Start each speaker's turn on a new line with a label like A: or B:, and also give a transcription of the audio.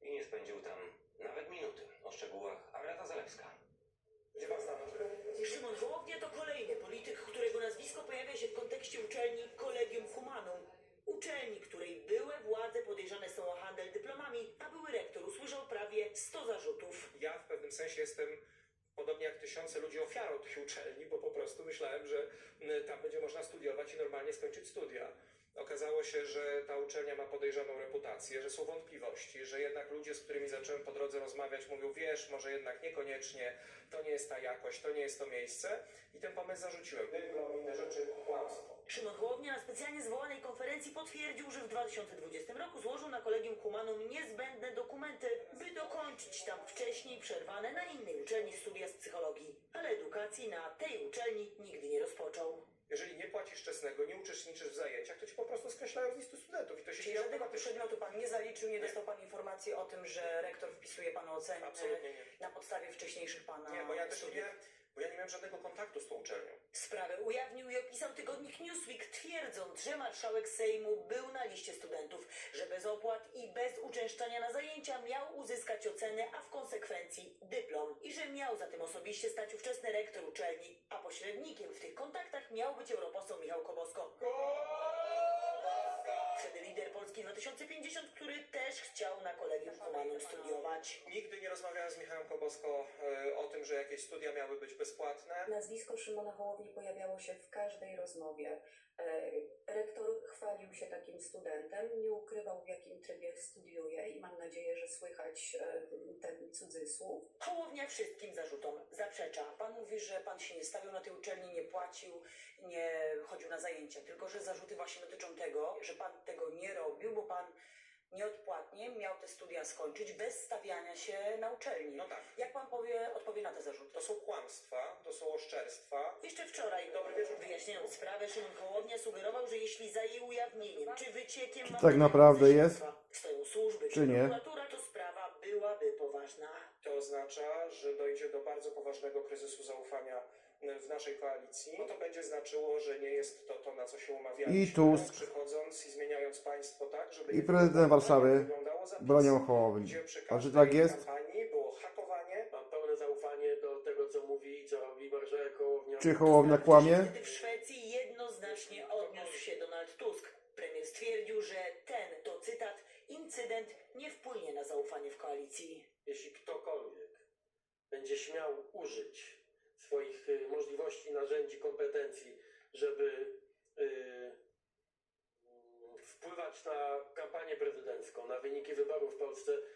A: i nie spędził tam nawet minuty. O szczegółach Agata Zalewska.
B: Gdzie pan stanął?
C: Szymon Hołownia to kolejny polityk, którego nazwisko pojawia się w kontekście uczelni Collegium Humanum. Uczelni, której były władze podejrzane są o handel dyplomami, a były rektor usłyszał prawie 100 zarzutów.
B: Ja w pewnym sensie jestem, podobnie jak tysiące ludzi, ofiarą tych uczelni, bo po prostu myślałem, że tam będzie można studiować i normalnie skończyć studia. Okazało się, że ta uczelnia ma podejrzaną reputację, że są wątpliwości, że jednak ludzie, z którymi zacząłem po drodze rozmawiać, mówią, wiesz, może jednak niekoniecznie, to nie jest ta jakość, to nie jest to miejsce i ten pomysł zarzuciłem. Dyplom, inne rzeczy, kłamstwo.
C: Szymon Hołownia na specjalnie zwołanej konferencji potwierdził, że w 2020 roku złożył na Collegium Humanum niezbędne dokumenty, by dokończyć tam wcześniej przerwane na innej uczelni studia z psychologii. Ale edukacji na tej uczelni nigdy nie rozpoczął.
B: Jeżeli nie płacisz czesnego, nie uczestniczysz w zajęciach, to ci po prostu skreślają z listu studentów i to się
D: Czyli
B: dzieje
D: żadnego
B: automatycznie.
D: przedmiotu pan nie zaliczył, nie dostał pan informacji o tym, że rektor wpisuje panu oceny
B: Absolutnie nie.
D: na podstawie wcześniejszych pana
B: Nie, bo ja też
D: studiów.
B: nie miałem żadnego kontaktu z tą uczelnią.
C: Sprawę ujawnił i opisał tygodnik Newsweek, twierdząc, że marszałek Sejmu był na liście studentów, że bez opłat i bez uczęszczania na zajęcia miał uzyskać ocenę, a w konsekwencji dyplom. I że miał za tym osobiście stać ówczesny rektor uczelni, a pośrednikiem w tych kontaktach miał być europoseł Michał Kobosko. Wtedy lider Polski 2050, który też chciał na Collegium Humanum studiować.
B: Nigdy nie rozmawiałem z Michałem Kobosko o tym, że jakieś studia miały być bezpłatne.
E: Nazwisko Szymona Hołowni pojawiało się w każdej rozmowie. Rektor chwalił się takim studentem, nie ukrywał, w jakim trybie studiuje i mam nadzieję, że słychać ten cudzysłów.
C: Hołownia wszystkim zarzutom zaprzecza.
D: Pan mówi, że pan się nie stawiał na tej uczelni, nie płacił, nie chodził na zajęcia, tylko że zarzuty właśnie dotyczą tego, że pan tego nie robił, bo pan nieodpłatnie miał te studia skończyć bez stawiania się na uczelni.
B: No tak.
D: Jak pan odpowie na te zarzuty?
B: To są kłamstwa, to są oszczerstwa.
C: Jeszcze wczoraj,
B: Dobry wieczór.
C: wyjaśniając sprawę, Szymon Hołownia sugerował, że jeśli za jej ujawnieniem czy wyciekiem
F: Czy tak naprawdę jest?
C: stoją służby
F: Czy nie?
C: prokuratura, to sprawa byłaby poważna.
B: To oznacza, że dojdzie do bardzo poważnego kryzysu zaufania w naszej koalicji. No to będzie znaczyło, że nie jest to, na co się umawialiśmy.
F: I Tusk.
B: Przychodząc i zmieniając państwo tak, żeby...
F: I prezydent Warszawy
B: wyglądało zapisy,
F: bronią Hołowni.
B: gdzie przy
F: A czy
B: każdej
F: tak jest?
B: kampanii było hakowanie.
G: Mam pełne zaufanie do tego, co mówi i co robi marszałek Hołownia.
F: Czy Hołownia kłamie?
C: Wtedy w Szwecji jednoznacznie odniósł się Donald Tusk. Premier stwierdził, że ten, to cytat, incydent nie wpłynie na zaufanie w koalicji.
G: Jeśli ktokolwiek będzie śmiał użyć swoich możliwości, narzędzi, kompetencji, żeby wpływać na kampanię prezydencką, na wyniki wyborów w Polsce,